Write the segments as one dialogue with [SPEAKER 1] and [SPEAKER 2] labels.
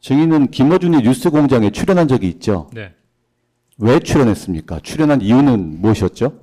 [SPEAKER 1] 증인은 김어준이 뉴스공장에 출연한 적이 있죠.
[SPEAKER 2] 네.
[SPEAKER 1] 왜 출연했습니까? 출연한 이유는 무엇이었죠?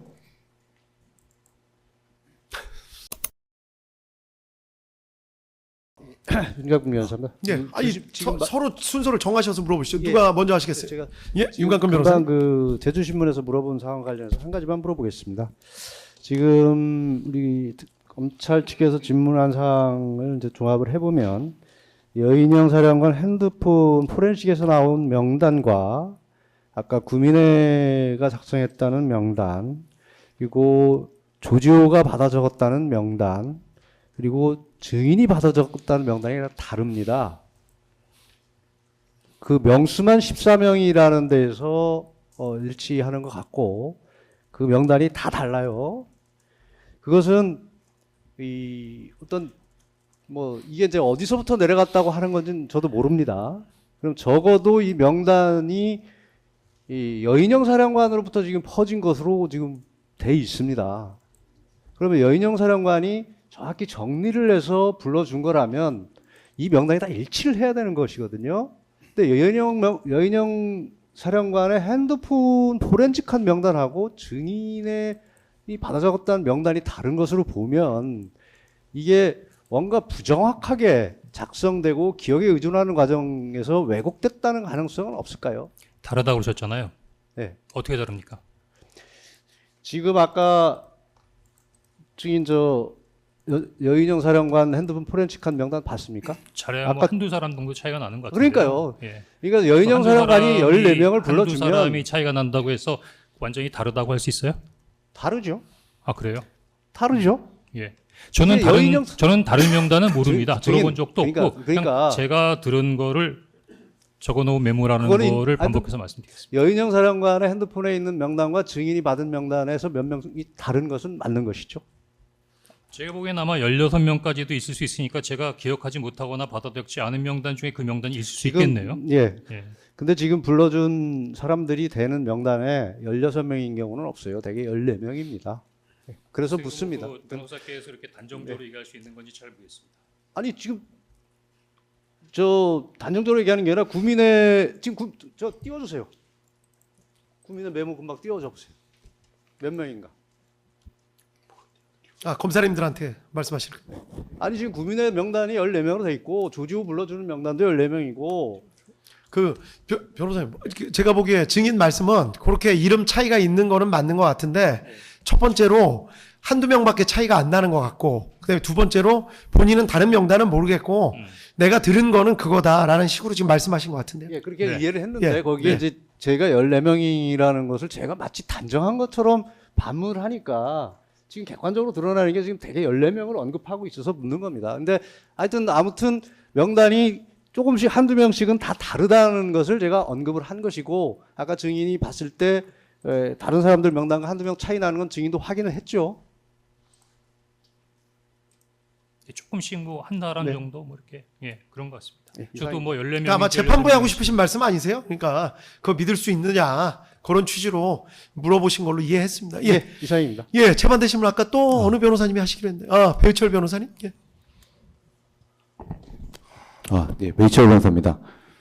[SPEAKER 3] 윤곽근 변호사입니다.
[SPEAKER 4] 예, 아니 서로 순서를 정하셔서 물어보시죠.
[SPEAKER 3] 예.
[SPEAKER 4] 누가 먼저 하시겠어요?
[SPEAKER 3] 제가
[SPEAKER 4] 예, 윤곽근
[SPEAKER 3] 금방
[SPEAKER 4] 변호사님.
[SPEAKER 3] 그 제주신문에서 물어본 사항 관련해서 한 가지만 물어보겠습니다. 지금 우리 검찰 측에서 질문한 사항을 이제 종합을 해보면 여인영 사령관 핸드폰 포렌식에서 나온 명단과 아까 구민회가 작성했다는 명단, 그리고 조지호가 받아 적었다는 명단, 그리고 증인이 받아 적었다는 명단이 다릅니다. 그 명수만 14명이라는 데에서 일치하는 것 같고 그 명단이 다 달라요. 그것은 이 어떤 뭐 이게 이제 어디서부터 내려갔다고 하는 건지는 저도 모릅니다. 그럼 적어도 이 명단이 이 여인영 사령관으로부터 지금 퍼진 것으로 지금 돼 있습니다. 그러면 여인영 사령관이 정확히 정리를 해서 불러준 거라면 이 명단이 다 일치를 해야 되는 것이거든요. 근데 여인영 사령관의 핸드폰 포렌식한 명단하고 증인의 이 받아 적었다는 명단이 다른 것으로 보면 이게 뭔가 부정확하게 작성되고 기억에 의존하는 과정에서 왜곡됐다는 가능성은 없을까요?
[SPEAKER 2] 다르다고 그러셨잖아요.
[SPEAKER 3] 네.
[SPEAKER 2] 어떻게 다릅니까?
[SPEAKER 3] 지금 아까 증인 여인영 사령관 핸드폰 포렌식한 명단 봤습니까?
[SPEAKER 2] 잘해야 뭐
[SPEAKER 3] 아까-
[SPEAKER 2] 한두 사람 정도 차이가 나는 것 같은데요.
[SPEAKER 3] 그러니까요.
[SPEAKER 2] 예.
[SPEAKER 3] 그러니까 여인영
[SPEAKER 2] 한두
[SPEAKER 3] 사령관이
[SPEAKER 2] 사람이
[SPEAKER 3] 14명을
[SPEAKER 2] 한두
[SPEAKER 3] 불러주면
[SPEAKER 2] 사람이 차이가 난다고 해서 완전히 다르다고 할 수 있어요?
[SPEAKER 3] 다르죠.
[SPEAKER 2] 아 그래요?
[SPEAKER 3] 다르죠.
[SPEAKER 2] 예. 저는
[SPEAKER 3] 근데
[SPEAKER 2] 저는 다른 명단은 모릅니다.
[SPEAKER 3] 증인,
[SPEAKER 2] 들어본 적도
[SPEAKER 3] 그러니까-
[SPEAKER 2] 없고
[SPEAKER 3] 그러니까-
[SPEAKER 2] 그냥 제가 들은 거를 적어놓은 메모라는
[SPEAKER 3] 그거는
[SPEAKER 2] 거를
[SPEAKER 3] 아니,
[SPEAKER 2] 반복해서 말씀드리겠습니다.
[SPEAKER 3] 여인영 사령관의 핸드폰에 있는 명단과 증인이 받은 명단에서 몇 명이 다른 것은 맞는 것이죠.
[SPEAKER 2] 제가 보기엔 아마 16명까지도 있을 수 있으니까 제가 기억하지 못하거나 받아들였지 않은 명단 중에 그 명단이 있을 수 있겠네요.
[SPEAKER 3] 예.
[SPEAKER 2] 예.
[SPEAKER 3] 근데 지금 불러준 사람들이 되는 명단에 16명인 경우는 없어요. 대개 14명입니다. 그래서 묻습니다.
[SPEAKER 2] 그 변호사께서 이렇게 단정적으로 얘기할 수 있는 건지 잘 모르겠습니다.
[SPEAKER 3] 아니 지금 저 단정적으로 얘기하는 게 아니라 구민의 지금 저 띄워주세요. 구민의 메모 금방 띄워줘 보세요. 몇 명인가?
[SPEAKER 4] 아, 검사님들한테 말씀하실 거예요.
[SPEAKER 3] 아니 지금 구민의 명단이 14명으로 돼 있고 조지호 불러주는 명단도 14명이고
[SPEAKER 4] 그 변호사님, 제가 보기에 증인 말씀은 그렇게 이름 차이가 있는 거는 맞는 것 같은데 첫 번째로 한두 명밖에 차이가 안 나는 것 같고 그다음에 두 번째로 본인은 다른 명단은 모르겠고 내가 들은 거는 그거다라는 식으로 지금 말씀하신 것 같은데요.
[SPEAKER 3] 예, 그렇게
[SPEAKER 4] 네.
[SPEAKER 3] 이해를 했는데
[SPEAKER 4] 예,
[SPEAKER 3] 거기에
[SPEAKER 4] 예.
[SPEAKER 3] 이제 제가 14명이라는 것을 제가 마치 단정한 것처럼 반문을 하니까 지금 객관적으로 드러나는 게 지금 되게 14명을 언급하고 있어서 묻는 겁니다. 근데 하여튼 아무튼 명단이 조금씩 한두 명씩은 다 다르다는 것을 제가 언급을 한 것이고 아까 증인이 봤을 때 다른 사람들 명단과 한두 명 차이 나는 건 증인도 확인을 했죠.
[SPEAKER 2] 조금씩 뭐 한 사람
[SPEAKER 3] 네.
[SPEAKER 2] 정도 뭐 이렇게 예 그런 것 같습니다.
[SPEAKER 3] 예,
[SPEAKER 2] 저도 뭐 14명
[SPEAKER 4] 그러니까 아마 재판부에 하고 싶으신 말씀 아니세요? 그러니까 그거 믿을 수 있느냐 그런 취지로 물어보신 걸로 이해했습니다. 예,
[SPEAKER 3] 예, 이상입니다.
[SPEAKER 4] 예, 재판대 신문 아까 또 어느 변호사님이 하시기로 했는데, 아, 배우철 변호사님? 예.
[SPEAKER 1] 네, 베이철 변호사입니다.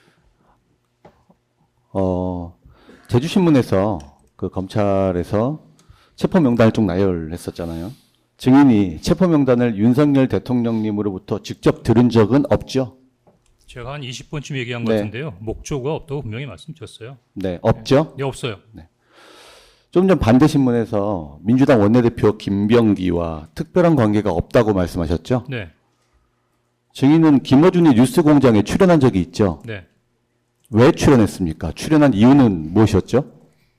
[SPEAKER 1] 제주신문에서 그 검찰에서 체포 명단을 쭉 나열했었잖아요. 증인이 체포 명단을 윤석열 대통령님으로부터 직접 들은 적은 없죠?
[SPEAKER 2] 제가 한 20번쯤 얘기한 것
[SPEAKER 1] 네.
[SPEAKER 2] 같은데요. 목조가 없다고 분명히 말씀드렸어요.
[SPEAKER 1] 네, 없죠?
[SPEAKER 2] 네, 없어요.
[SPEAKER 1] 좀 전 반대신문에서 민주당 원내대표 김병기와 특별한 관계가 없다고 말씀하셨죠?
[SPEAKER 2] 네,
[SPEAKER 1] 증인은 김어준이 뉴스공장에 출연한 적이 있죠?
[SPEAKER 2] 네.
[SPEAKER 1] 왜 출연했습니까? 출연한 이유는 무엇이었죠?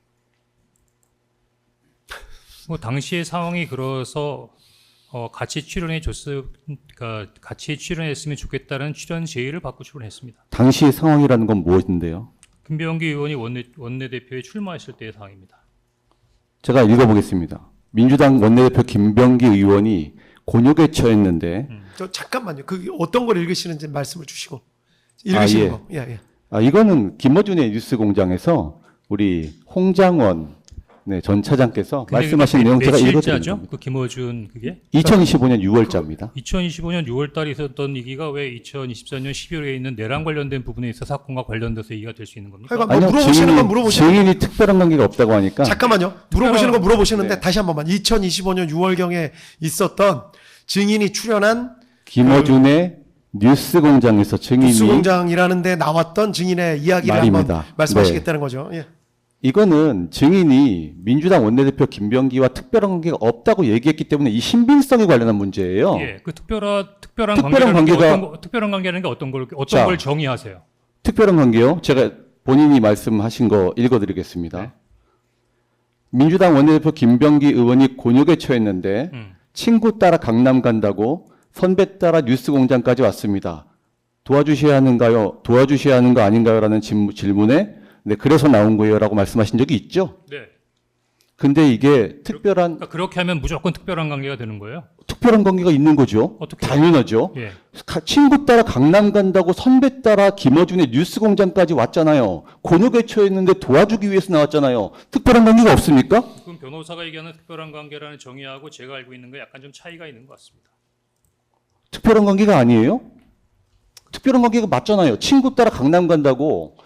[SPEAKER 2] 뭐 당시의 상황이 그래서 같이 그러니까 같이 출연했으면 좋겠다는 출연 제의를 받고 출연했습니다.
[SPEAKER 1] 당시 상황이라는 건 무엇인데요?
[SPEAKER 2] 김병기 의원이 원내대표에 출마했을 때의 상황입니다.
[SPEAKER 1] 제가 읽어보겠습니다. 민주당 원내대표 김병기 의원이 곤욕에 처했는데
[SPEAKER 4] 저 잠깐만요. 그 어떤 걸 읽으시는지 말씀을 주시고 읽으시는
[SPEAKER 1] 예.
[SPEAKER 4] 거. 예, 예.
[SPEAKER 1] 이거는 김어준의 뉴스공장에서 우리 홍장원 네, 전 차장께서
[SPEAKER 2] 근데
[SPEAKER 1] 말씀하신
[SPEAKER 2] 그게
[SPEAKER 1] 내용 제가 읽어드리는
[SPEAKER 2] 며칠자죠?
[SPEAKER 1] 겁니다.
[SPEAKER 2] 그 김어준 그게
[SPEAKER 1] 2025년 6월자입니다.
[SPEAKER 2] 2025년 6월 달에 있었던 얘기가 왜 2024년 12월에 있는 내랑 관련된 부분에 있어 사건과 관련돼서 얘기가 될 수 있는 겁니까?
[SPEAKER 4] 하여간 뭐 물어보시는 건 물어보시는
[SPEAKER 1] 증인이 특별한 관계가 없다고 하니까
[SPEAKER 4] 잠깐만요. 물어보시는 거 물어보시는데
[SPEAKER 1] 네.
[SPEAKER 4] 다시 한 번만. 2025년 6월경에 있었던 증인이 출연한
[SPEAKER 1] 김어준의 뉴스공장에서 증인이
[SPEAKER 4] 뉴스공장이라는 데 나왔던 증인의 이야기를
[SPEAKER 1] 말입니다.
[SPEAKER 4] 한번 말씀하시겠다는 거죠. 예.
[SPEAKER 1] 이거는 증인이 민주당 원내대표 김병기와 특별한 관계가 없다고 얘기했기 때문에 이 신빙성에 관련한 문제예요.
[SPEAKER 2] 예, 그 특별한 특별한 관계라는 게 어떤
[SPEAKER 1] 자.
[SPEAKER 2] 걸 정의하세요?
[SPEAKER 1] 특별한 관계요? 제가 본인이 말씀하신 거 읽어드리겠습니다.
[SPEAKER 2] 네.
[SPEAKER 1] 민주당 원내대표 김병기 의원이 곤욕에 처했는데 친구 따라 강남 간다고 선배 따라 뉴스공장까지 왔습니다. 도와주셔야 하는가요? 도와주셔야 하는 거 아닌가요? 라는 질문에 네, 그래서 나온 거예요. 라고 말씀하신 적이 있죠.
[SPEAKER 2] 네.
[SPEAKER 1] 근데 이게 특별한,
[SPEAKER 2] 그러니까 그렇게 하면 무조건 특별한 관계가 되는 거예요?
[SPEAKER 1] 특별한 관계가 있는 거죠.
[SPEAKER 2] 어떻게?
[SPEAKER 1] 당연하죠.
[SPEAKER 2] 예.
[SPEAKER 1] 친구 따라 강남 간다고 선배 따라 김어준의 뉴스공장까지 왔잖아요. 곤욕에 처했는데 도와주기 위해서 나왔잖아요. 특별한 관계가 없습니까?
[SPEAKER 2] 그럼 변호사가 얘기하는 특별한 관계라는 정의하고 제가 알고 있는 거 약간 좀 차이가 있는 것 같습니다.
[SPEAKER 1] 특별한 관계가 아니에요? 특별한 관계가 맞잖아요. 친구 따라 강남 간다고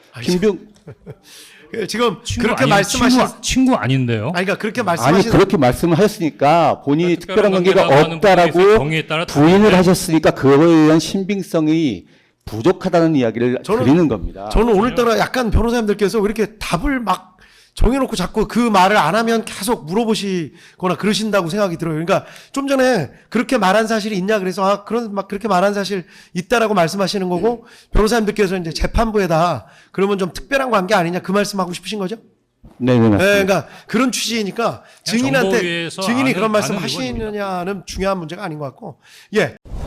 [SPEAKER 4] 지금
[SPEAKER 2] 친구
[SPEAKER 4] 그렇게
[SPEAKER 2] 아니-
[SPEAKER 4] 말씀하신
[SPEAKER 2] 친구 아닌데요?
[SPEAKER 4] 아니 그러니까 그렇게
[SPEAKER 1] 아니
[SPEAKER 4] 말씀하신
[SPEAKER 1] 그렇게 말씀을 하셨으니까 본인이 특별한 관계가
[SPEAKER 2] 관계라고 하는
[SPEAKER 1] 없다라고
[SPEAKER 2] 부분에서 정의에 따라
[SPEAKER 1] 부인을
[SPEAKER 2] 다른데.
[SPEAKER 1] 하셨으니까 그거에 대한 신빙성이 부족하다는 이야기를 드리는 겁니다.
[SPEAKER 4] 저는 오늘따라 약간 변호사님들께서 왜 이렇게 답을 막 정해놓고 자꾸 그 말을 안 하면 계속 물어보시거나 그러신다고 생각이 들어요. 그러니까 좀 전에 그렇게 말한 사실이 있냐 그래서 아 그런 막 그렇게 말한 사실 있다라고 말씀하시는 거고 변호사님들께서 이제 재판부에다 그러면 좀 특별한 관계 아니냐 그 말씀하고 싶으신 거죠?
[SPEAKER 1] 네네
[SPEAKER 4] 네,
[SPEAKER 1] 맞습니다.
[SPEAKER 4] 그러니까 그런 취지이니까
[SPEAKER 2] 그냥
[SPEAKER 4] 증인한테
[SPEAKER 2] 정보위에서
[SPEAKER 4] 증인이 그런
[SPEAKER 2] 아는
[SPEAKER 4] 말씀
[SPEAKER 2] 의원입니다.
[SPEAKER 4] 하시느냐는 중요한 문제가 아닌 것 같고 예.